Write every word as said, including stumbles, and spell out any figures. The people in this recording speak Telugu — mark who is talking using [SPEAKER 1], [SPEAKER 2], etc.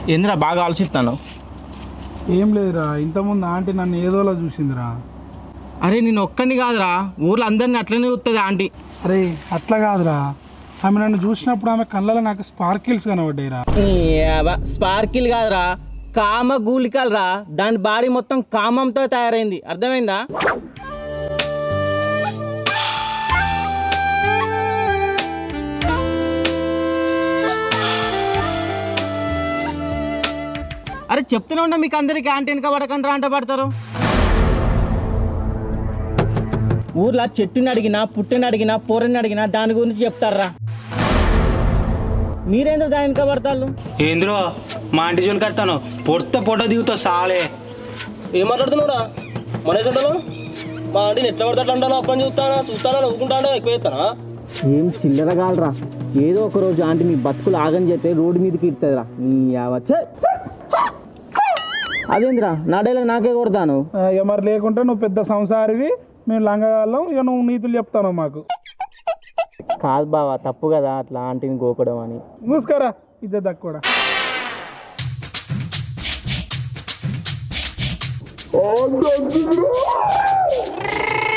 [SPEAKER 1] ఏందిరా బాగా ఆలోచిస్తాను.
[SPEAKER 2] ఏం లేదురా, ఇంతకుముందు ఆంటీ నన్ను ఏదోలా చూసిందిరా.
[SPEAKER 1] అరే నేను ఒక్కడిని కాదురా, ఊర్లో అందరినీ అట్లనే చూస్తుంది ఆంటీ.
[SPEAKER 2] అరే అట్లా కాదురా, ఆమె నన్ను చూసినప్పుడు ఆమె కళ్ళలో నాకు స్పార్కిల్స్ కనబడ్డాయిరా.
[SPEAKER 1] స్పార్కిల్ కాదురా, కామ గూలికలు రా. దాని బాడీ మొత్తం కామంతో తయారైంది, అర్థమైందా? అరే చెప్తూనే ఉన్నా మీకు అందరికి ఆంటీ వెనక పడకండి రా అంట పడతారు. ఊర్లో చెట్టుని అడిగినా పుట్టిని అడిగినా పూరని అడిగినా దాని గురించి చెప్తారా. మీరేంద్ర దాని వెనక పడతారు?
[SPEAKER 3] ఏంద్రో మా ఆంటీ జోలు కడతాను, పొడితే పొట్ట దిగుతావు సాలే.
[SPEAKER 4] ఏం మాట్లాడుతున్నావురా? మన చెడ్డలో మా ఆంటీని ఎట్లా పడితే అట్లా అంటాను. అప్పని చూస్తానా చూస్తానా నవ్వుకుంటానా ఎక్కువ చేస్తానా?
[SPEAKER 1] ఏం చిల్లర కాలరా, ఏదో ఒక రోజు ఆంటీ మీ బతుకులు ఆగని చెప్తే రోడ్డు మీదకి ఇస్తుందిరా. అదేంద్రా నా డైలాగ్ నాకే కొడతాను.
[SPEAKER 2] ఇక మరి లేకుంటే నువ్వు పెద్ద సంసారివి, మేము లంగగాళ్ళం, ఇక నువ్వు నీతులు చెప్తాను మాకు.
[SPEAKER 1] కాదు బావా, తప్పు కదా అట్లా ఆంటీని గోకడం అని.
[SPEAKER 2] మూసుకరా ఇద్దరు దక్కుడా.